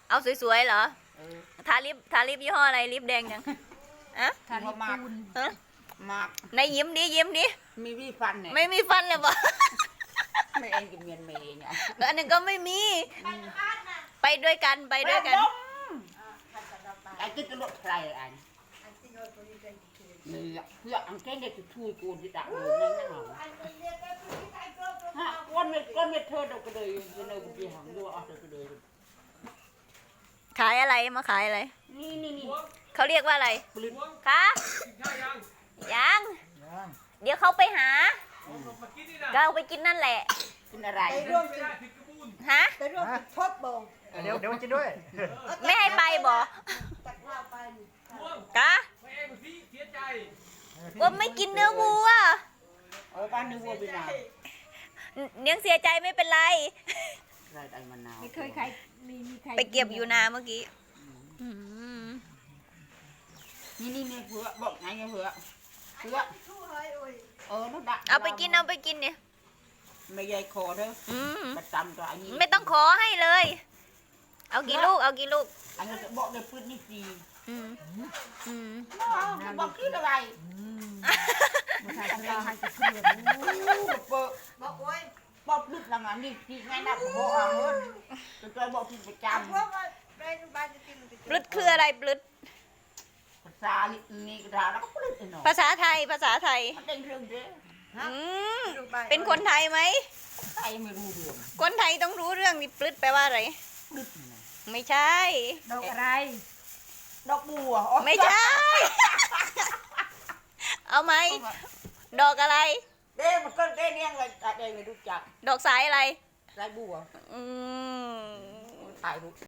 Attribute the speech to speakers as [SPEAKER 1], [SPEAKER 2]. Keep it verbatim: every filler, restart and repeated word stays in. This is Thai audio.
[SPEAKER 1] เอาสวยๆเหรอ
[SPEAKER 2] เออ
[SPEAKER 1] ทาลิปทาลิปยี่ห้ออะไรลิปแดงยังอะ
[SPEAKER 2] ทาลิปมาก
[SPEAKER 1] ฮะ
[SPEAKER 2] มาก
[SPEAKER 1] ในยิ้มดิยิ้มดิ
[SPEAKER 2] มีวิฟันเนี่ย
[SPEAKER 1] ไม่มีฟันเลยบ่
[SPEAKER 2] ไม่เองกับเมียนเมย์เนี่ย
[SPEAKER 1] แล้วอันนึงก็ไม่มี ไปด้วยกันไปด้วยกัน
[SPEAKER 2] ไอ้กินตลอดใครอันนี่เพื่ออังเกงเด็กช่วยกูที่ดักอยู่นั่นนั่นหรอฮะก้อนเม็ดก้อนเม็ดเธอเด็กก็เลยจะเนยกูไปหางดูเอาเธอก็เลย
[SPEAKER 1] ขายอะไรมาขายอะไร
[SPEAKER 2] นี่นี่นี่
[SPEAKER 1] เขาเรียกว่าอะไร
[SPEAKER 2] ปลิ้น
[SPEAKER 1] คะยัง เดี๋ยวเขาไปหา ก็เอาไปกินนั่นแหละ
[SPEAKER 2] กินอะไร
[SPEAKER 3] ไปร่วมจุด
[SPEAKER 1] ฮะ
[SPEAKER 3] ไปร่วมจุดทบบ่ง
[SPEAKER 4] เดี๋ยวเดี๋ยวมากินด้วย
[SPEAKER 1] ไม่ให้ไปบ่
[SPEAKER 3] จากเราไป
[SPEAKER 1] กะว่าไม่กินเนื้อวัว
[SPEAKER 2] เออบ้านนึกว่าเป็นอะไร
[SPEAKER 1] เนียงเสียใจไม่เป็นไร
[SPEAKER 2] ไรไอ้มะนาว
[SPEAKER 3] ไม่เคยใครมีมีใคร
[SPEAKER 1] ไปเก็บอยู่นาเมื่อกี้อืม
[SPEAKER 2] นี่นี่นี่เพื่อบอกไงเพื่อเพื่อเออนั่นดัก
[SPEAKER 1] เอาไปกินเอาไปกินเนี่ย
[SPEAKER 2] ไม่ใหญ่คอเด้อ
[SPEAKER 1] อืม
[SPEAKER 2] ประจำตัวอันนี้
[SPEAKER 1] ไม่ต้องขอให้เลย เอากี่ลูกเอากี่ลูก
[SPEAKER 2] อันนี้จะบอกในพื้นนี่ฟรี
[SPEAKER 1] อืมอืม
[SPEAKER 2] บอกคิดอะไร
[SPEAKER 3] ใครทำให้จะเชื่อ
[SPEAKER 2] เปิด
[SPEAKER 3] บอกโอ้ย
[SPEAKER 2] บอกลึกละงั้นนี่ที่ง่ายนักหัวเอาเลยจะตัวบอกที่ประจ
[SPEAKER 3] พวกว่าไปบ้านจะกิน
[SPEAKER 1] ปลึดคืออะไรปลึด
[SPEAKER 2] ำภาษานี่กระดาษแล้วก็ปลึกไอ้หนอ
[SPEAKER 1] ภาษาไทยภาษาไทย
[SPEAKER 2] มันเด้งเรื่องเด้อ
[SPEAKER 1] อืมเป็นคนไทยไหม
[SPEAKER 2] ใครไม่รู้เรื่อง
[SPEAKER 1] คนไทยต้องรู้เรื่องนี่ปลึดแปลว่าอะไร
[SPEAKER 2] ปลึกนี่นะ
[SPEAKER 1] ไม่ใช่
[SPEAKER 3] ดอกอะไร
[SPEAKER 2] ดอกบัว
[SPEAKER 1] ไม่ใช่ เอาไหมดอกอะไร
[SPEAKER 2] เด้มันก็เด้เนี่ยเลยเด้ไม่รู้จัก
[SPEAKER 1] ดอกสายอะไร
[SPEAKER 2] ไรบัว
[SPEAKER 1] อืม
[SPEAKER 2] ถ่ายรูป